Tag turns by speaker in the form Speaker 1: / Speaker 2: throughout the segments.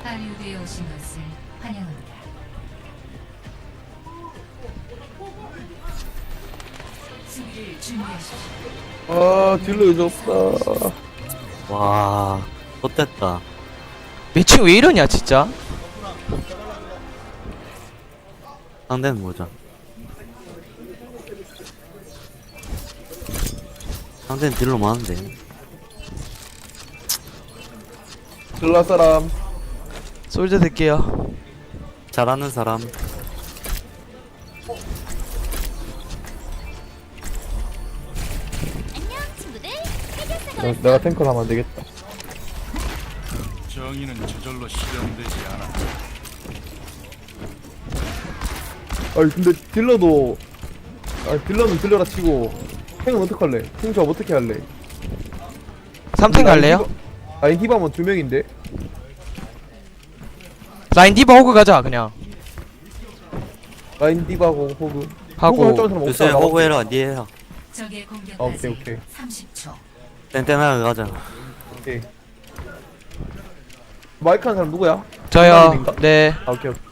Speaker 1: 할리우드에 오신 것을 환영합니다. 수비를 준비하십시오.
Speaker 2: 아 딜러 잊었다.
Speaker 3: 와, 좆됐다.
Speaker 4: 매칭 왜 이러냐 진짜.
Speaker 3: 상대는 뭐죠? 상대는 딜로 많은데.
Speaker 2: 딜러 사람.
Speaker 4: 솔저 될게요.
Speaker 3: 잘하는 사람.
Speaker 2: 내가 탱커를 하면 안 되겠다.
Speaker 5: 정의는 저절로 실현되지 않아.
Speaker 2: 아니 근데 딜러도 딜러는 딜러라 치고 탱은 어떡할래? 탱 조합 어떻게 할래?
Speaker 4: 3탱 갈래요?
Speaker 2: 아니 히바면 2명인데?
Speaker 4: 라인 디바 호그 가자 그냥.
Speaker 2: 라인 디바고 호그
Speaker 4: 하고.
Speaker 2: 호그 할 사람
Speaker 3: 요새
Speaker 2: 없잖아.
Speaker 3: 호구해라, 니 해라.
Speaker 1: 적의
Speaker 2: 아, 오케이,
Speaker 1: 공격까지
Speaker 2: 오케이.
Speaker 1: 30초.
Speaker 3: 땡땡하게 가자.
Speaker 2: 오케이. 마이크 하는 사람 누구야?
Speaker 4: 저요.
Speaker 2: 라인인가?
Speaker 4: 네.
Speaker 2: 아 오케이 오케이.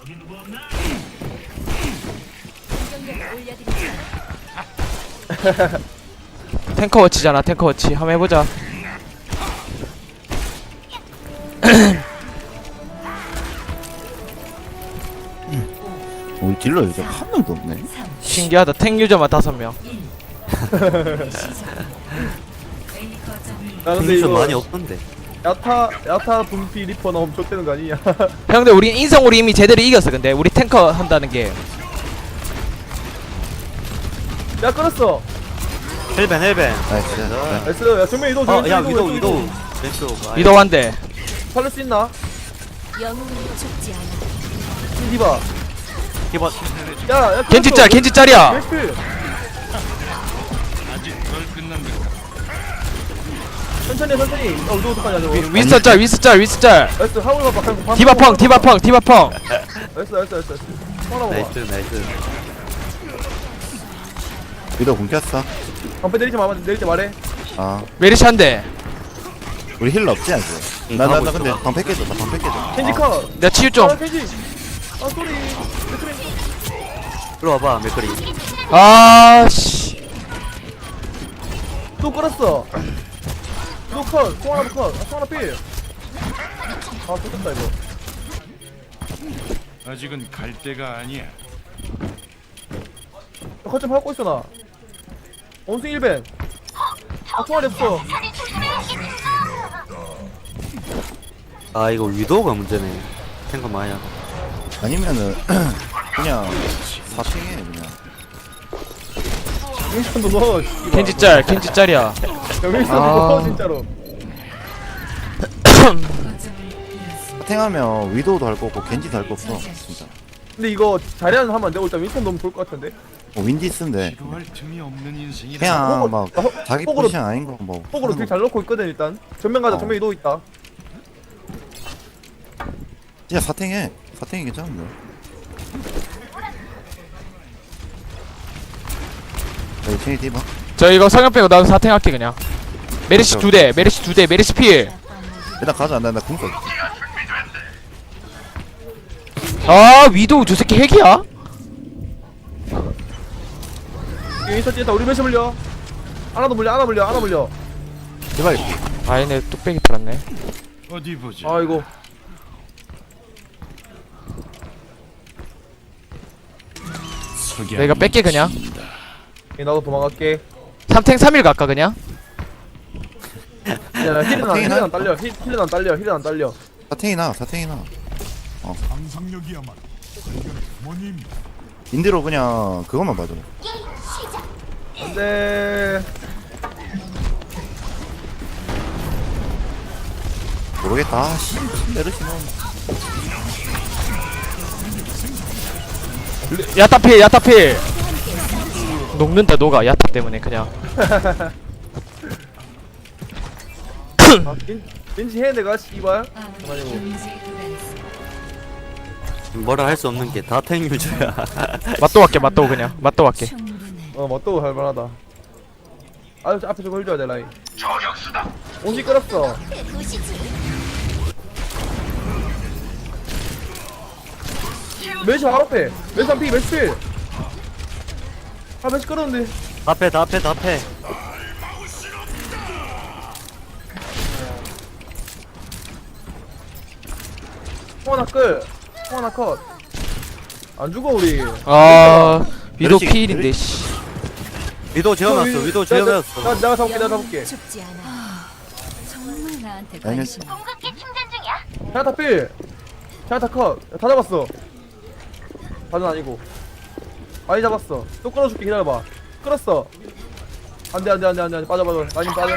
Speaker 4: 탱커 워치잖아. 탱커 워치. 한번 해보자.
Speaker 6: 우리 딜러 요즘 한 명도 없네.
Speaker 4: 신기하다. 탱 유저만 5명.
Speaker 2: 나 근데
Speaker 3: 좀
Speaker 2: 이거
Speaker 3: 많이 없던데.
Speaker 2: 야타 분피 리퍼 나오면 족되는 거 아니냐?
Speaker 4: 형들 우리 인성으로 이미 제대로 이겼어. 근데 우리 탱커 한다는 게.
Speaker 2: 야 끊었어.
Speaker 3: 헬벤.
Speaker 6: 나이스.
Speaker 2: 나이스. 야 정면 이동.
Speaker 3: 어, 야,
Speaker 2: 왼쪽,
Speaker 3: 위도우. 왼쪽.
Speaker 4: 위도 한 대.
Speaker 2: 살릴 수 있나?
Speaker 7: 영웅은 죽지 않아.
Speaker 2: 디바.
Speaker 3: 디바.
Speaker 2: 야
Speaker 4: 겐지짤 겐지짤이야.
Speaker 2: 맥스.
Speaker 5: 아직 덜 끝난 것
Speaker 2: 천천히. 어 이거 어떡하냐 저거.
Speaker 4: 윈스짤
Speaker 2: 나이스 하울 봐봐.
Speaker 4: 디바펑.
Speaker 2: 나이스. 하나 봐봐.
Speaker 3: 나이스.
Speaker 6: 위도 공켰어.
Speaker 2: 방패 내릴 때 말해.
Speaker 6: 아,
Speaker 4: 메리시 한 대.
Speaker 6: 우리 힐러 없지 않지?
Speaker 3: 응,
Speaker 6: 나
Speaker 3: 하고
Speaker 6: 근데
Speaker 3: 있어.
Speaker 6: 방패 깨져. 나 방패 깨져.
Speaker 2: 켄지 컷.
Speaker 4: 내가 치유 좀.
Speaker 2: 아 켄지. 아 쏘리.
Speaker 3: 일로 와봐, 맥거리.
Speaker 4: 아씨.
Speaker 2: 또 끌었어. 또 컷. 송 하나 컷. 송 하나 필. 아 쏟았다 이거.
Speaker 5: 아직은 갈 때가 아니야.
Speaker 2: 컷좀 하고 있어 나. 원숭이 1벤. 아 총알이 없어.
Speaker 3: 아, 이거 위도우가 문제네. 탱커 많이 하고.
Speaker 6: 아니면은 그냥 사탱해 그냥.
Speaker 2: 윈스턴도 넣어.
Speaker 4: 겐지짤이야.
Speaker 2: 야 윈스턴도
Speaker 4: 아.
Speaker 2: 넣어 진짜로.
Speaker 1: 거점을 잃었습니다.
Speaker 6: 사탱하면 위도우도 할 거고 겐지도 할 거 없어. 진짜.
Speaker 2: 근데 이거 자리하는 하면 안 되고 일단 윈스턴 넣으면 좋을 것 같은데.
Speaker 6: 윈디스인데
Speaker 5: 기도할 틈이 없는 인생이라.
Speaker 6: 그냥
Speaker 2: 호구-
Speaker 6: 막
Speaker 2: 아,
Speaker 6: 자기
Speaker 2: 호구로-
Speaker 6: 포지션 아닌 거 뭐.
Speaker 2: 폭으로 되게 잘 넣고 있거든 일단. 전면 가자.
Speaker 6: 어.
Speaker 2: 전면 이동 있다.
Speaker 6: 진짜 사탱해. 사탱이 괜찮은데. 여기 챙이 디바.
Speaker 4: 저 이거 성형 빼고 나도 사탱할게 그냥. 메리시 2대. 메리시 필.
Speaker 6: 일단 가자. 나 궁서.
Speaker 4: 아 위도우 저 새끼 핵이야?
Speaker 2: 윈스턴 찐다. 우리 몇시 물려. 하나 물려.
Speaker 6: 제발.
Speaker 4: 아 얘네 뚝배기 팔았네.
Speaker 5: 어디 보자.
Speaker 2: 아이고.
Speaker 4: 내가 뺄게 그냥.
Speaker 2: 나도 도망갈게.
Speaker 4: 3탱 3일 갈까 그냥?
Speaker 2: 야 힐은 안 딸려. 힐은 안 딸려.
Speaker 6: 사탱이 나. 사탱이 나.
Speaker 5: 상상력이야말로 발견의 부모님.
Speaker 6: 인디로 그냥 그것만 봐줘.
Speaker 2: 안돼.
Speaker 6: 모르겠다. 아, 씨. 메르시 넣은.
Speaker 4: 야타필. 녹는다 녹아 야타 때문에 그냥.
Speaker 2: 아, 겐지 해 내가 씨발.
Speaker 1: 아무리 경제 구간에서
Speaker 3: 뭐라 할 수 없는 게 다 탱 유저야.
Speaker 4: 맞도 갈게.
Speaker 1: 충분해.
Speaker 2: 맞도 할만하다. 아 앞에 저거 해줘야 돼 라인. 온지 끌었어.
Speaker 7: 그 도시지.
Speaker 2: 멜시 바로 앞에. 멜시 한 피, 멜시 필. 아, 멜시 끌었는데.
Speaker 3: 다 패.
Speaker 2: 홍하나 끌. 홍하나 컷. 안 죽어, 우리.
Speaker 4: 아 위도
Speaker 6: 멸치-
Speaker 4: 필인데 씨.
Speaker 3: 위도 지어놨어. 위도 지어놨어.
Speaker 2: 내가 잡을게.
Speaker 7: 죽지 않아.
Speaker 1: 정말 나한테
Speaker 6: 아니,
Speaker 1: 관심.
Speaker 2: 자야타 필. 자야타 컷. 다 잡았어. 다는 아니고. 많이 잡았어. 또 끌어줄게, 기다려봐. 끌었어. 안 돼. 빠져. 라인 빠져.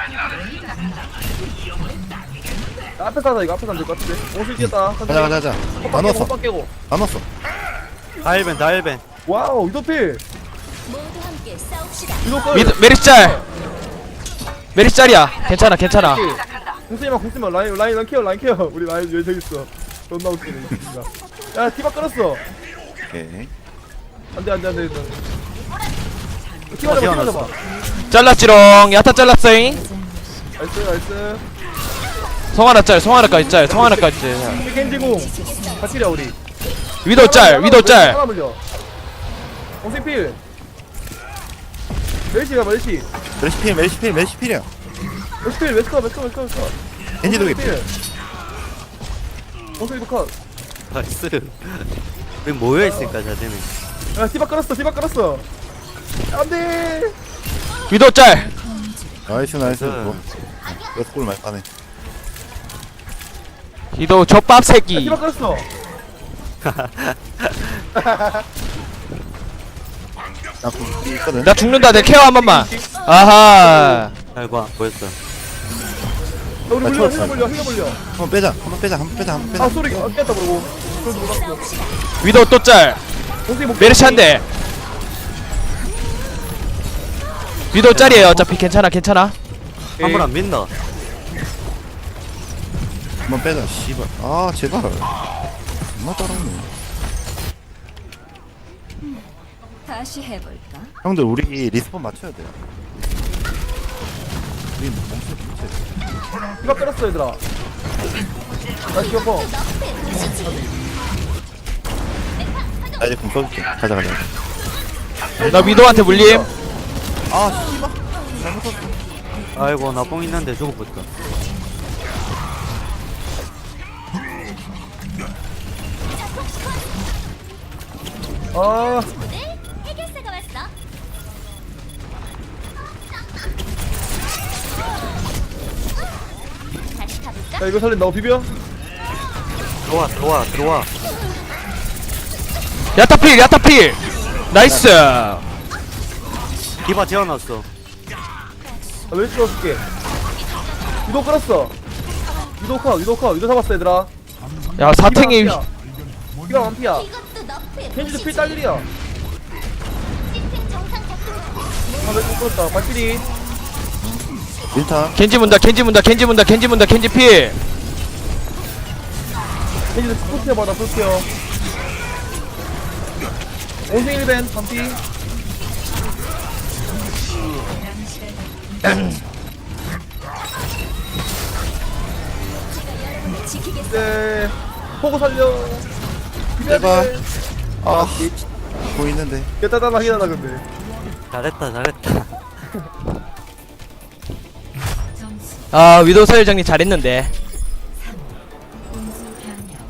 Speaker 2: 야, 앞에서 하자, 이거. 앞에서 안 될 것 같은데. 오실 뛰었다.
Speaker 6: 가자. 안 왔어.
Speaker 2: 헛박 깨고.
Speaker 6: 안 왔어.
Speaker 3: 다 1벤.
Speaker 2: 와우, 위도 필.
Speaker 7: 모두 함께 싸웁시다.
Speaker 2: 위도 끌.
Speaker 4: 메리시 짤. 메리시 짤이야. 괜찮아.
Speaker 2: 공쓰지마. 라인 케어. 우리 라인 여기 저기 있어. 존나 웃기네, 이 새끼가. 야, 티바 끌었어.
Speaker 6: 오케이.
Speaker 2: 안 돼. 티바 잡아.
Speaker 4: 잘랐지롱. 야타 잘랐어잉.
Speaker 2: 나이스.
Speaker 4: 성하나까지 짤.
Speaker 2: 겐지공. 같이랴, 우리.
Speaker 4: 위도 짤.
Speaker 2: 하나 물려. 공생필. 멜시가.
Speaker 6: 멜시필이야.
Speaker 2: 멜시필, 멜스커.
Speaker 6: 겐지 독이.
Speaker 2: 공생필 컷.
Speaker 3: 나이스. 우리 모여있으니까 잘 되네.
Speaker 2: 야, 티바 끌었어. 안 돼.
Speaker 4: 위도 짤.
Speaker 6: 나이스. 뭐. 여섯 골 많이 따네.
Speaker 4: 위도 젖밥 새끼.
Speaker 2: 티바 끌었어.
Speaker 6: 나 궁이 있거든.
Speaker 4: 나 죽는다. 내 케어 한 번만. 아하.
Speaker 3: 잘 봐. 보였어.
Speaker 2: 야, 우리
Speaker 6: 나
Speaker 2: 물려.
Speaker 6: 쳤어.
Speaker 2: 흘려.
Speaker 6: 한번 빼자.
Speaker 2: 아, 소리 깼다, 그러고. 그래도 몰랐어.
Speaker 4: 위도 또 짤.
Speaker 2: 공생이 목.
Speaker 4: 메르시 한 대. 위도 짤이에요. 어차피 괜찮아.
Speaker 3: 한 번 안 민다.
Speaker 6: 한번 빼자. 씨발. 아, 제발. 존나 따라오네.
Speaker 7: 다시 해볼까?
Speaker 6: 형들 우리 리스폰 맞춰야 돼요. 우리 멈춰.
Speaker 2: 티바 끌었어, 얘들아. 나 기어퍼.
Speaker 6: 나 이제 궁 써줄게. 가자.
Speaker 4: 나 위도한테 물림.
Speaker 6: 아, 씨발.
Speaker 3: 아이고 나 뽕 있는데 죽어버렸다.
Speaker 2: 아,
Speaker 7: 해결사가 왔어. 다시 가볼까?
Speaker 2: 야, 이거 살린다. 비벼.
Speaker 3: 들어와.
Speaker 4: 야타필. 나이스.
Speaker 3: 디바 지어놨어.
Speaker 2: 나 왜 찍어줄게. 위도 끌었어. 위도 잡았어, 얘들아.
Speaker 4: 야 사탱이.
Speaker 2: 피가 완피야.
Speaker 7: 이것도 너프의
Speaker 2: 켄지도 필 딸일이야.
Speaker 7: 시스템 정상 작동.
Speaker 2: 아, 왜 끌었다. 발길이.
Speaker 6: 밀타.
Speaker 4: 겐지 문다. 겐지 필.
Speaker 2: 켄지도 풀피어 받아, 풀피어. 온생 1벤, 반피.
Speaker 7: 지키겠어.
Speaker 2: 네. 포고 살려.
Speaker 6: 제발. 아, 보이는데.
Speaker 2: 깨따단하긴 하다, 근데.
Speaker 3: 잘했다.
Speaker 1: 점수
Speaker 4: 아 위도 서열장님 잘했는데.
Speaker 1: 공수 변경.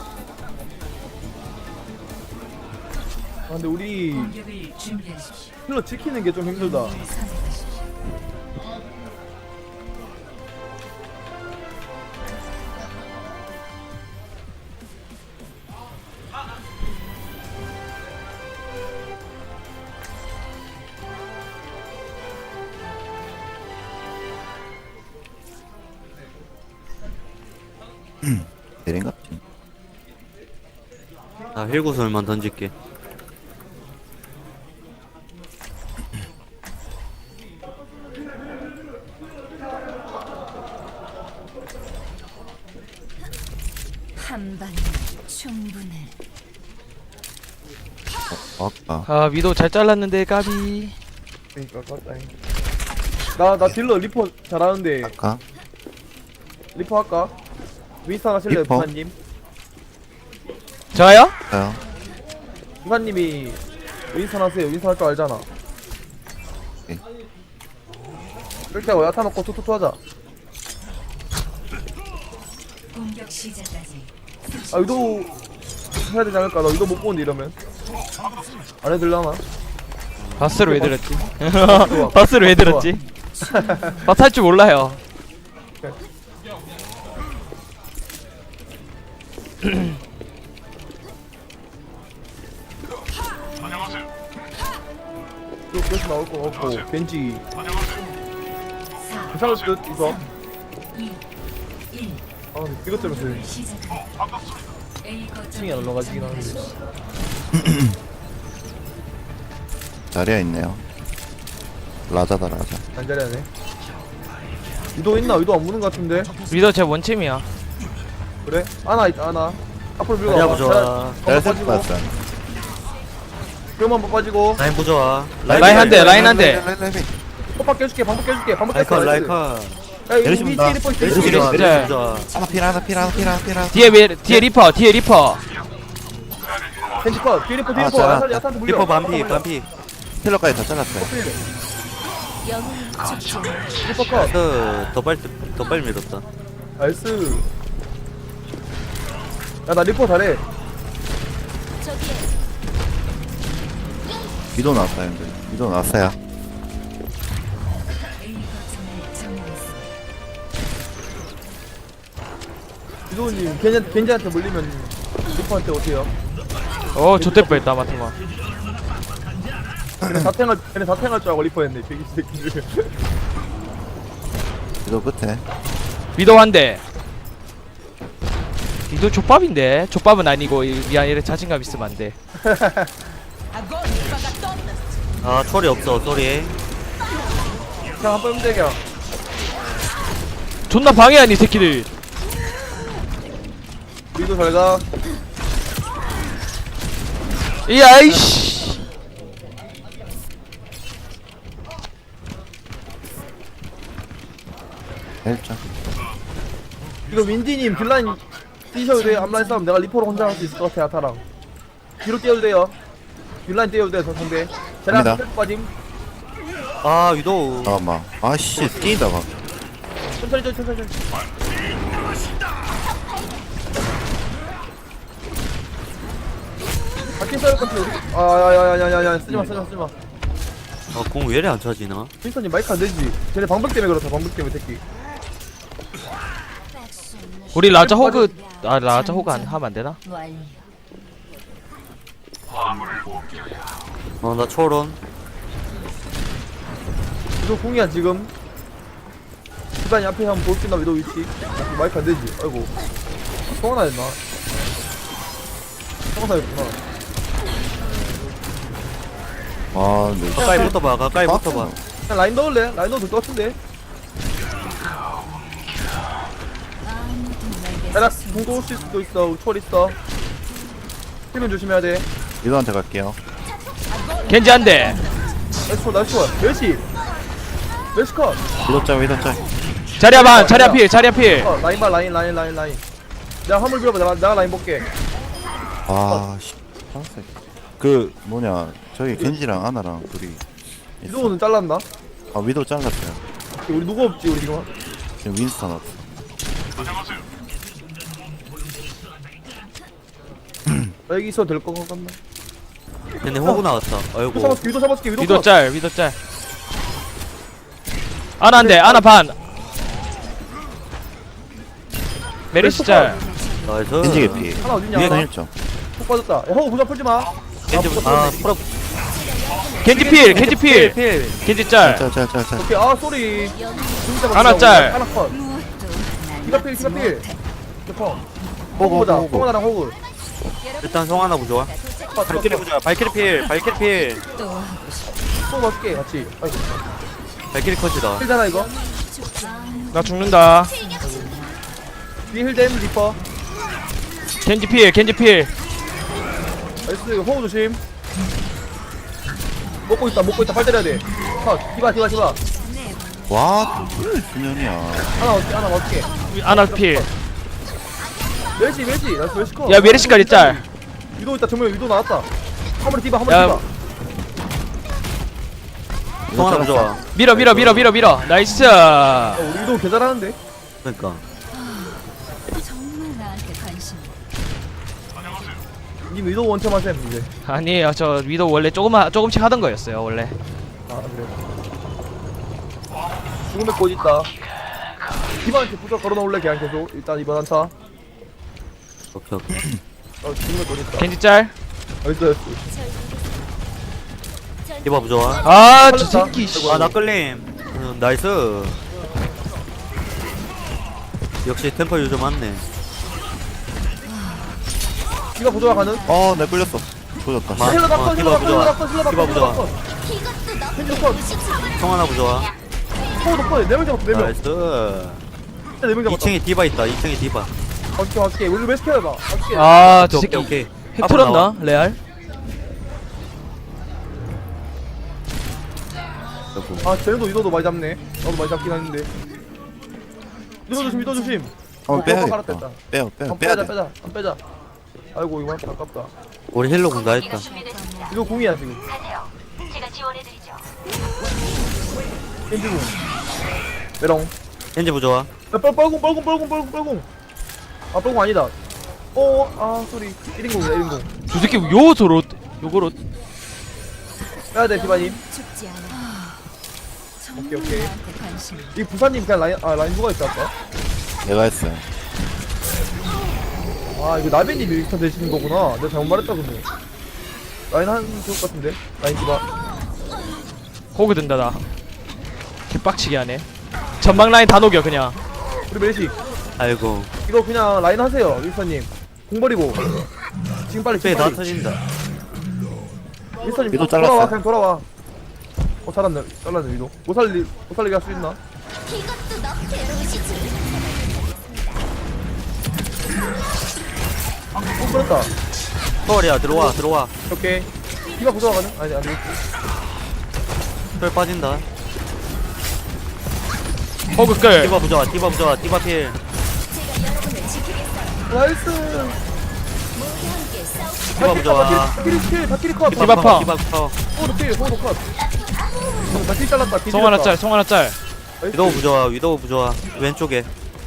Speaker 2: 아, 근데 우리
Speaker 1: 공격을 준비하십시오.
Speaker 2: 힐러 지키는 게 좀 힘들다.
Speaker 1: 선택하십시오.
Speaker 6: 대랭갑지.
Speaker 3: 나 힐구슬만 던질게.
Speaker 7: 한 방에 충분해.
Speaker 6: 아까.
Speaker 4: 아 위도 잘 잘랐는데 까비.
Speaker 2: 그니까, 깜짝이. 나 딜러 리퍼 잘하는데,
Speaker 6: 아까.
Speaker 2: 리퍼 할까? 윈스턴 하실래요,
Speaker 6: 리퍼?
Speaker 2: 부사님?
Speaker 4: 저요?
Speaker 6: 가요.
Speaker 2: 이사님이 윈선 하세요. 윈선 할 줄 알잖아.
Speaker 6: 오케이.
Speaker 2: 이렇게 하고 야타 먹고 투투투 하자.
Speaker 1: 공격 시작까지
Speaker 2: 아 유도 해야 되지 않을까? 나 유도 못 보는데 이러면 안 해들려나?
Speaker 4: 바스를 왜 들었지? 바스를 왜 들었지? 바스 할 줄 몰라요.
Speaker 2: 또 계속 나올 거 없고 벤지
Speaker 1: 4
Speaker 2: 괜찮을 듯 이거.
Speaker 1: 2 1
Speaker 2: 아 근데 이것 때문에 그
Speaker 1: 시작합니다. A
Speaker 2: 층이 안
Speaker 1: 거점을
Speaker 2: 올라가지긴 하는데.
Speaker 6: 자리야 있네요. 라자다 라자.
Speaker 2: 안 잘하네. 유도 있나? 유도 안 무는 것 같은데.
Speaker 4: 위도 제 원챔이야.
Speaker 2: 그래? 아나 있다 아나. 앞으로 밀고
Speaker 3: 자리야
Speaker 2: 와봐.
Speaker 3: 부좋아.
Speaker 6: 잘
Speaker 2: 빠지고.
Speaker 6: 봤어.
Speaker 2: 그럼 한번 빠지고.
Speaker 3: 라인 부좋아.
Speaker 4: 라인 한 대, 라인 한 대.
Speaker 2: 호박 깨줄게. 방법 깨줄게. 방법 깼어.
Speaker 3: 라이커 라이커.
Speaker 2: 야 이거
Speaker 6: 내리시
Speaker 2: 위
Speaker 6: 본다.
Speaker 2: 뒤에 리퍼
Speaker 3: 메르시
Speaker 2: 있어.
Speaker 3: 부좋아.
Speaker 4: 네.
Speaker 3: 메르시 부좋아.
Speaker 6: 하나 필 하나 필 하나 필 하나 필 하나.
Speaker 4: 뒤에 리퍼, 뒤에 리퍼.
Speaker 2: 벤지 컷. 뒤에 리퍼 뒤에
Speaker 6: 아,
Speaker 2: 리퍼.
Speaker 6: 자.
Speaker 2: 야타한테 물려.
Speaker 3: 리퍼 반피 반피.
Speaker 6: 힐러까지 다 잘랐어요.
Speaker 7: 영웅은 죽지 않아.
Speaker 2: 리퍼 컷.
Speaker 3: 더 빨리 밀었다.
Speaker 2: 나이스. 야나 리퍼 잘해.
Speaker 7: 저기에
Speaker 6: 위도 나왔어요 형들. 위도 나왔어요.
Speaker 1: A 거점을 점령했습니다.
Speaker 2: 유도님 겐지한테 물리면 리퍼한테 오세요.
Speaker 4: 좆될 뻔했다, 마트마.
Speaker 2: 걔네 사탱할 줄 알고 리퍼 했네. 돼지 새끼들.
Speaker 6: 위도 끝에.
Speaker 4: 위도 한 대. 위도 족밥인데? 족밥은 아니고, 미안, 이래 자신감 있으면 안 돼.
Speaker 3: 아 초리 없어 소리.
Speaker 2: 그냥 한번 힘들게.
Speaker 4: 존나 방해하니, 이 새끼들.
Speaker 2: 유도 잘 가.
Speaker 4: 이야이씨.
Speaker 6: 헬자.
Speaker 2: 이거 윈디님 딜라인 뛰셔도 돼요. 앞라인 싸움 내가 리퍼로 혼자 할 수 있을 것 같아. 야타랑 뒤로 떼어도 돼요. 딜라인 떼어도 돼요. 저 상대 제가
Speaker 6: 갑니다.
Speaker 2: 스텝 빠짐.
Speaker 3: 아 위도우.
Speaker 6: 잠깐만. 아씨 뛰다가.
Speaker 2: 천천히. 바퀴 싸울 것 같아. 우리 아야야야야야 쓰지마.
Speaker 3: 아공 왜 이래 안 차지나?
Speaker 2: 윈스턴님 마이크 안 되지. 쟤네 방벽 때문에 그렇다. 방벽 때문에 새끼.
Speaker 4: 우리 라자 호그, 라자 호그 하면 안 되나?
Speaker 1: 완료.
Speaker 3: 어나 초론.
Speaker 2: 위도 공이야 지금. 주단이 앞에 한번 볼 수 있나 위도 위치. 마이크 안 되지. 아이고. 성원아 했나? 성원아였구나.
Speaker 6: 아 근데
Speaker 3: 가까이 붙어봐. 가까이 붙어봐.
Speaker 2: 그냥 라인 넣을래? 라인 넣어도 될 것 같은데. 야나 공도 올 수도 있어. 초월 있어. 힘은 조심해야 돼.
Speaker 6: 위도한테 갈게요.
Speaker 4: 겐지 한 대.
Speaker 2: 나이스 초월. 멸시 컷.
Speaker 6: 위도 짤 위도 짤.
Speaker 4: 자리야 반, 자리야 필, 자리야 필.
Speaker 2: 라인 봐 라인. 내가 화물 밀어봐. 내가 라인 볼게.
Speaker 6: 아씨. 그 뭐냐 저기 겐지랑 아나랑 둘이. 있어.
Speaker 2: 위도우는 잘랐나?
Speaker 6: 아 위도 잘랐어요.
Speaker 2: 우리 누구 없지 우리 지금?
Speaker 6: 지금 윈스턴 없어.
Speaker 2: 나 여기 있어도 될 것 같나?
Speaker 3: 근데 호구 나왔다. 아이고.
Speaker 2: 위도 잡았을게.
Speaker 4: 위도
Speaker 2: 컷.
Speaker 4: 짤, 위도 짤. 아나 한 대, 아나 반. 메르시 짤.
Speaker 3: 나이스.
Speaker 6: 겐지 개피.
Speaker 2: 하나 어딨냐?
Speaker 6: 위에
Speaker 2: 하나?
Speaker 6: 1점.
Speaker 2: 폭 빠졌다. 야 허우 부자 풀지 마.
Speaker 3: 겐지 풀어.
Speaker 4: 겐지 필, 겐지 필. 겐지 짤.
Speaker 6: 짤짤짤짤.
Speaker 2: 오케이. 아 쏘리. 진짜
Speaker 4: 하나 짤.
Speaker 2: 하나 컷. 기가 필. 컷. 호구
Speaker 6: 호구
Speaker 2: 보자.
Speaker 6: 호구.
Speaker 2: 성원아랑 호구.
Speaker 3: 일단 송 하나 부좋아.
Speaker 2: 컷.
Speaker 3: 발키리 부좋아. 발키리 필. 발키리 필.
Speaker 1: 또 하고 싶어.
Speaker 2: 또 맞게 같이. 아이고.
Speaker 3: 발키리 컷이다.
Speaker 2: 힐잖아 이거.
Speaker 4: 나 죽는다.
Speaker 2: 뒤에 힐댐 리퍼.
Speaker 4: 겐지 필, 겐지 필.
Speaker 2: 나이스. 이거 호구 조심. 먹고 있다. 팔 때려야 돼. 컷. 디바.
Speaker 6: 와 분연이야.
Speaker 2: 하나 어떻게?
Speaker 4: 아나 필.
Speaker 2: 멸시. 나이스 멸시 컷.
Speaker 4: 야 메르시까지 짤.
Speaker 2: 위도 있다. 정말 위도 나왔다. 화물에 디바
Speaker 4: 야.
Speaker 2: 화물에 디바.
Speaker 3: 송 하나 좋아.
Speaker 4: 밀어 나이스.
Speaker 2: 우리도 개 잘하는데.
Speaker 3: 그러니까
Speaker 1: 정말 나한테 관심.
Speaker 2: 님 위도 원점 하셈 이제.
Speaker 4: 아니에요, 저 위도 원래 조금씩 하던 거였어요 원래.
Speaker 2: 아 그래. 죽음의 꽃 있다. 디바한테 부서 걸어놓을래 그냥 계속. 일단 이번 한타.
Speaker 3: 오케이 오케이.
Speaker 2: 죽음의 꽃 있다.
Speaker 4: 겐지 짤.
Speaker 2: 나이스.
Speaker 3: 디바 부좋아.
Speaker 4: 아, 저
Speaker 2: 살렸다.
Speaker 4: 새끼 씨.
Speaker 3: 아 나끌림. 나이스. 역시 템퍼 유저 맞네.
Speaker 2: 디바 부조화 가는.
Speaker 6: 내 끌렸어. 조졌다.
Speaker 3: 마-
Speaker 2: 힐러 낙선
Speaker 3: 디바
Speaker 2: 힐러
Speaker 3: 부조화.
Speaker 2: 낙선 힐러 낙선
Speaker 3: 디바
Speaker 2: 힐러
Speaker 3: 부조화.
Speaker 2: 낙선.
Speaker 7: 이것도 너
Speaker 2: 펜지 컷.
Speaker 3: 송 하나 부좋아.
Speaker 2: 포도 컷. 4명 잡았어 4명.
Speaker 3: 나이스.
Speaker 2: 4명 잡았어.
Speaker 3: 2층에 디바 있다. 2층에 디바.
Speaker 2: 어떻게 우리 왜 시켜야 봐. 어떻게.
Speaker 4: 아, 저
Speaker 3: 오케이
Speaker 4: 새끼
Speaker 3: 오케이.
Speaker 4: 핵
Speaker 3: 앞으로 나와.
Speaker 4: 털었나 레알?
Speaker 3: 여보.
Speaker 2: 아 쟤네도 이도도 많이 잡네. 나도 많이 잡긴 하는데. 이도 조심 이도 조심.
Speaker 6: 한번 빼야겠다.
Speaker 2: 갈아뺐다.
Speaker 6: 빼야
Speaker 2: 빼자
Speaker 6: 빼야 돼.
Speaker 2: 빼자 안 빼자. 아이고 이거 아깝다.
Speaker 3: 우리 힐러 군다 했다.
Speaker 2: 이거 공이야 지금.
Speaker 7: 제가 지원해드리죠.
Speaker 2: 겐지공. 메롱.
Speaker 3: 겐지 부좋아.
Speaker 2: 야, 뻘공. 아, 뻘공 아니다. 쏘리. 1인공이다, 1인공.
Speaker 4: 저 새끼 요소로 요거로
Speaker 2: 빼야돼, 디바님.
Speaker 1: 죽지 않아.
Speaker 2: 오케이, 오케이.
Speaker 1: 나한테 관심.
Speaker 2: 이 부사님 그냥 라인 누가 있다, 아까?
Speaker 6: 내가 했어요.
Speaker 2: 아, 이거 나베님이 일타 되시는 거구나. 내가 잘못 말했다, 근데. 라인 한 좋을 것 같은데? 라인 디바.
Speaker 4: 호그 든다 나. 개빡치게 하네. 전방 라인 다 녹여 그냥.
Speaker 2: 우리 메리시.
Speaker 3: 아이고.
Speaker 2: 이거 그냥 라인 하세요, 윌서님. 공 버리고. 지금 빨리,
Speaker 3: 빼
Speaker 2: 지금
Speaker 3: 다
Speaker 2: 빨리.
Speaker 3: 터진다.
Speaker 2: 윌서님,
Speaker 6: 위도
Speaker 2: 돌아와,
Speaker 6: 잘랐어요.
Speaker 2: 그냥 돌아와. 잘랐네, 위도. 못 살리게 할 수 있나?
Speaker 7: 이것도 너 괴로우시지.
Speaker 2: 끌었다.
Speaker 3: 서울이야 들어와.
Speaker 2: 오케이. 디바 부서가는? 아니, 안 되겠지.
Speaker 3: 털 빠진다.
Speaker 4: 호그 끌.
Speaker 3: 디바 부좋아. 디바 필.
Speaker 7: 제가 여러분을 지키겠어요.
Speaker 2: 나이스.
Speaker 7: 모두 함께 싸웁시다.
Speaker 3: 디바 부좋아.
Speaker 2: 다키리 컷.
Speaker 4: 디바 파.
Speaker 3: 디바 파.
Speaker 2: 포도 컷. 다키리 잘랐다.
Speaker 4: 송 하나 짤, 송 하나 짤.
Speaker 3: 위도우 부좋아. 왼쪽에.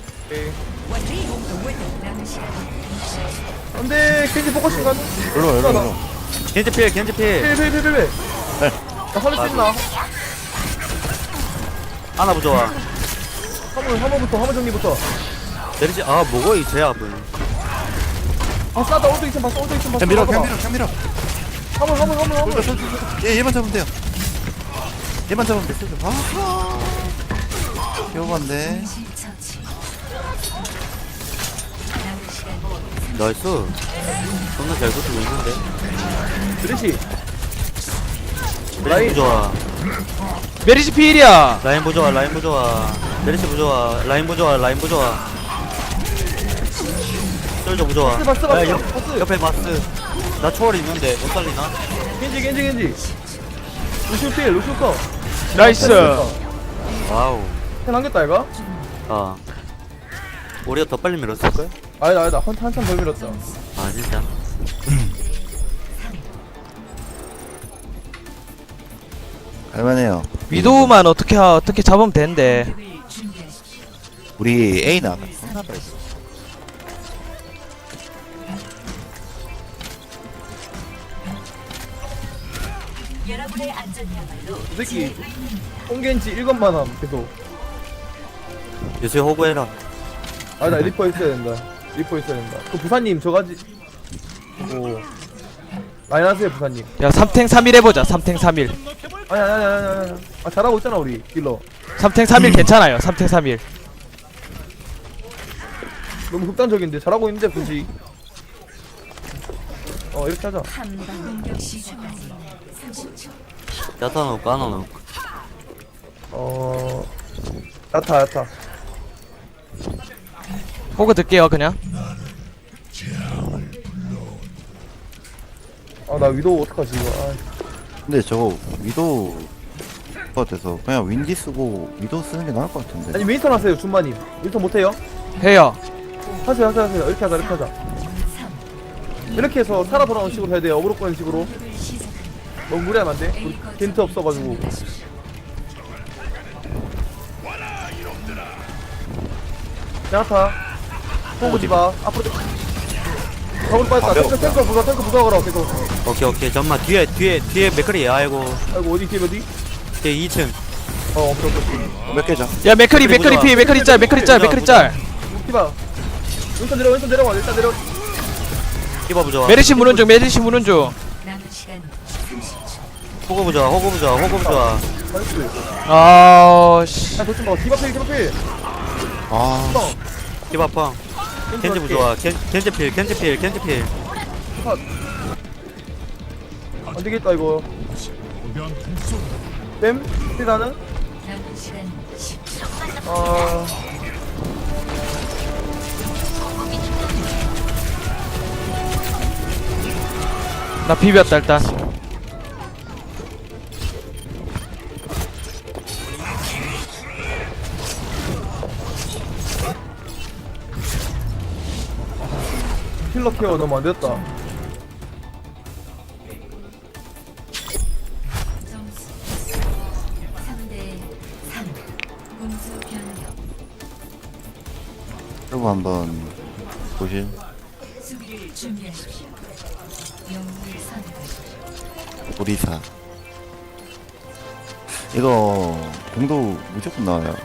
Speaker 2: 안돼, 켄지 포커싱 가는.
Speaker 6: 일로.
Speaker 3: 겐지 필.
Speaker 2: 필. 나 살릴 수 있나?
Speaker 3: 하나 부좋아.
Speaker 2: 화물 정리부터.
Speaker 3: 내리지. 아 뭐고 이 제압은.
Speaker 2: 아 싸다. 오른쪽 있으면 봤어.
Speaker 6: 그냥 밀어.
Speaker 2: 화물.
Speaker 6: 얘만 잡으면 돼요. 얘만 잡으면 돼. 귀여운데.
Speaker 1: 처치.
Speaker 3: 나이스. 존나 잘 붙고 있는데.
Speaker 2: 드레시.
Speaker 3: 라인 부좋아.
Speaker 4: 메리시 필이야.
Speaker 3: 라인 부좋아. 내리지 부좋아. 라인 부좋아. 솔저 부좋아.
Speaker 2: 봤어.
Speaker 3: 야, 옆에 마스. 나 초월 있는데 못 살리나?
Speaker 2: 겐지. 루시오 컷.
Speaker 4: 나이스.
Speaker 3: 와우.
Speaker 2: 캔 남겼다 얘가?
Speaker 3: 아. 우리가 더 빨리 밀었을걸?
Speaker 2: 아니다. 한참 더 밀었다.
Speaker 3: 아 진짜.
Speaker 6: 할만해요.
Speaker 4: 위도우만 어떻게 잡으면 되는데.
Speaker 6: 우리 A 나가.
Speaker 1: 여러분의 안전이야말로
Speaker 2: 이 새끼 홍겐지 1건만 함 계속.
Speaker 3: 요새 호구해라.
Speaker 2: 나 리퍼 있어야 된다. 그 부사님 저가지. 오. 라인 하세요 부사님.
Speaker 4: 야 3탱 3일 해보자. 3탱 3일.
Speaker 2: 아니. 아 잘하고 있잖아 우리 딜러.
Speaker 4: 3탱 3일 괜찮아요. 3탱 3일.
Speaker 2: 너무 극단적인데 잘하고 있는데 굳이. 이렇게 하자.
Speaker 1: 한방 공격 시작까지 30초.
Speaker 3: 야타 넣고 하나 넣고.
Speaker 2: 야타.
Speaker 4: 호그 들게요 그냥.
Speaker 2: 나 위도우 어떡하지 이거.
Speaker 6: 근데 저거 위도 같아서 그냥 윈디 쓰고 위도 쓰는 게 나을 것 같은데.
Speaker 2: 아니 윈스턴 하세요 준마님. 윈스턴 못해요?
Speaker 4: 해요.
Speaker 2: 하세요. 이렇게 하자. 이렇게 해서 살아 돌아오는 식으로 해야 돼요. 어그로 꺼는 식으로. 너무 무리하면 안돼. 우리 겐트 없어가지고. 야타 호구 디바 앞으로 가볼 빠졌다. 탱커 부숴 탱커.
Speaker 3: 오케이 잠만 뒤에 맥크리 아이고
Speaker 2: 아이고 어디 뒤에 어디?
Speaker 3: 뒤에 2층
Speaker 2: 오케이.
Speaker 6: 몇 개죠?
Speaker 4: 야 맥크리 피 맥크리 짤
Speaker 2: 디바 왼손 내려와 일단 내려.
Speaker 3: 디바 부좋아
Speaker 4: 메르시 무는 중
Speaker 1: 남은 시간 30초.
Speaker 3: 호구 부좋아
Speaker 2: 나이스.
Speaker 4: 아씨
Speaker 2: 야 도좀 봐. 디바 필.
Speaker 6: 아
Speaker 3: 디바 펑 겐지 부좋아 겐지 필
Speaker 2: 안 되겠다 이거.
Speaker 5: 거대한 통솔
Speaker 2: 뱀? 나는?
Speaker 1: 남은 시간 10초.
Speaker 4: 나 비볐다 일단.
Speaker 2: 힐러 케어 너무 안 됐다.
Speaker 1: 점수 3대 3. 공수 변경.
Speaker 6: 여러분 한번 보실.
Speaker 1: 수비를 준비하십시오. 영웅을 선택하십시오.
Speaker 6: 오리사. 이거 공도 무조건 나와요.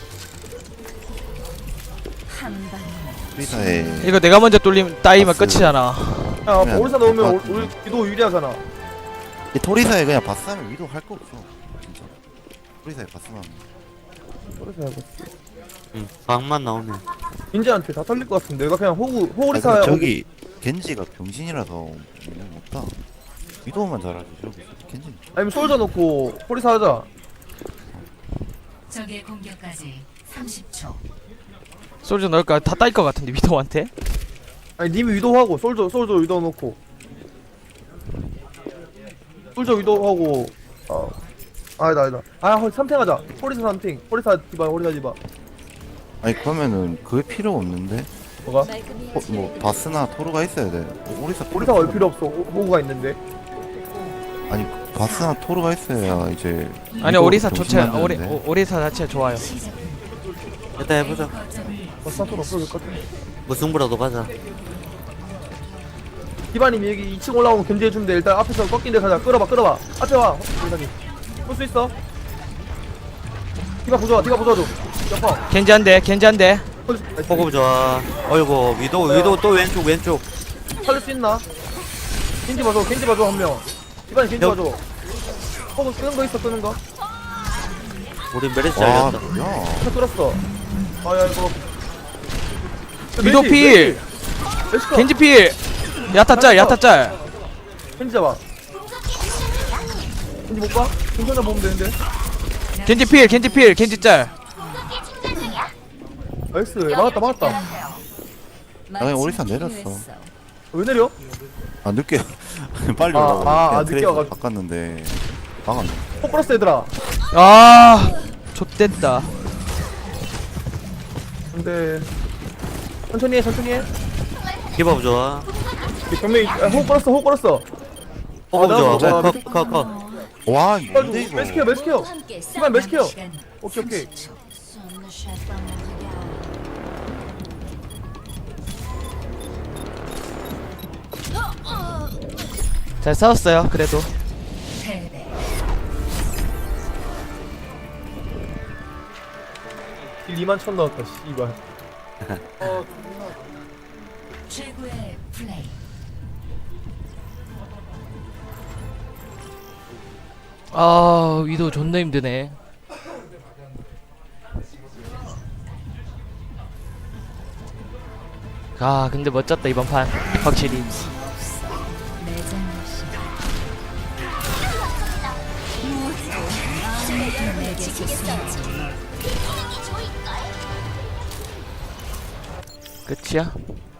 Speaker 1: 한 방에
Speaker 6: 오리사에
Speaker 4: 이거 내가 먼저 따이면
Speaker 6: 바스.
Speaker 4: 끝이잖아.
Speaker 2: 야
Speaker 6: 그러면
Speaker 2: 오리사 넣으면
Speaker 6: 아,
Speaker 2: 우리 위도 유리하잖아.
Speaker 6: 이 토리사에 그냥 바스하면 위도 할 거 없어. 진짜. 토리사에 바스만.
Speaker 2: 오리사 해봐.
Speaker 3: 응 방만 나오네
Speaker 2: 인재한테 다 털릴 것 같은데. 내가 그냥 호구
Speaker 6: 아,
Speaker 2: 오리사
Speaker 6: 근데 저기 겐지가 병신이라서 못다. 위도만 잘하지 저기 겐지.
Speaker 2: 아니면 솔져 놓고 오리사 하자.
Speaker 1: 적의 공격까지 30초.
Speaker 4: 솔저 넣을까? 다 따일 것 같은데 위도한테.
Speaker 2: 아니 님이 위도하고 솔져 위도 놓고 솔져 위도하고 아니다 아 삼탱하자. 오리사 삼탱 오리사 디바
Speaker 6: 아니 그러면은 그게 필요 없는데.
Speaker 2: 뭐가?
Speaker 7: 말끔히
Speaker 6: 뭐 바스나 토르가 있어야 돼. 오리사
Speaker 2: 오리사 올 필요 없어. 호구가 있는데.
Speaker 6: 아니 바스나 토르가 있어야 이제.
Speaker 4: 아니
Speaker 6: 위도
Speaker 4: 오리사
Speaker 6: 병신
Speaker 4: 좋지.
Speaker 6: 만드는데.
Speaker 4: 오리사 자체 좋아요.
Speaker 1: 시작됩니다.
Speaker 3: 일단 해보자
Speaker 1: 거점을
Speaker 2: 버스나토 없어질 것 같아.
Speaker 3: 무승부라도 가자
Speaker 2: 디바님이 여기 2층 올라오면 견제해주는데 일단 앞에서 꺾인 데 가자. 끌어봐 앞에 와 디바님 끌수 있어. 디바 부숴줘 옆방
Speaker 4: 겐지 한대.
Speaker 3: 호구 부좋아 어이구 위도 또 왼쪽
Speaker 2: 살릴 수 있나? 겐지 봐줘 한명. 디바님 겐지
Speaker 3: 여-
Speaker 2: 봐줘. 호구 끄는 거
Speaker 3: 우리 메르시
Speaker 6: 와
Speaker 3: 알렸다
Speaker 6: 뭐야.
Speaker 2: 차 끌었어. 아야 이거
Speaker 4: 위도 필.
Speaker 2: 메시커
Speaker 4: 겐지 필. 야타 짤.
Speaker 2: 겐지 잡아. 겐지 못 봐? 겐지 보면 되는데.
Speaker 4: 겐지 짤.
Speaker 2: 나이스 막았다.
Speaker 6: 아니 오리사 내렸어.
Speaker 2: 왜 내려?
Speaker 6: 아 늦게 빨리
Speaker 2: 아,
Speaker 6: 오라고.
Speaker 2: 아,
Speaker 6: 그냥
Speaker 2: 늦게
Speaker 6: 트레이서
Speaker 2: 와가지고.
Speaker 6: 바꿨는데 막았네.
Speaker 2: 포커스 얘들아.
Speaker 4: 아 좆됐다.
Speaker 2: 근데 천천히 해.
Speaker 3: 디바 부좋아
Speaker 2: 경매 호흡 걸었어.
Speaker 3: 호구
Speaker 2: 나
Speaker 3: 부좋아
Speaker 2: 뭐,
Speaker 3: 컷
Speaker 6: 와 뭔데 이거.
Speaker 2: 매스케어.
Speaker 7: 함께
Speaker 2: 디바 매스케어.
Speaker 1: 시간
Speaker 2: 오케이.
Speaker 1: 30초.
Speaker 4: 잘 싸웠어요. 그래도.
Speaker 1: 패배.
Speaker 2: 딜 2만 넣었다. 씨발.
Speaker 1: 최고의 플레이.
Speaker 4: 아 위도 존나 힘드네. 아 근데 멋졌다 이번 판 확실히.
Speaker 7: 지키겠어요.
Speaker 4: 끝이야?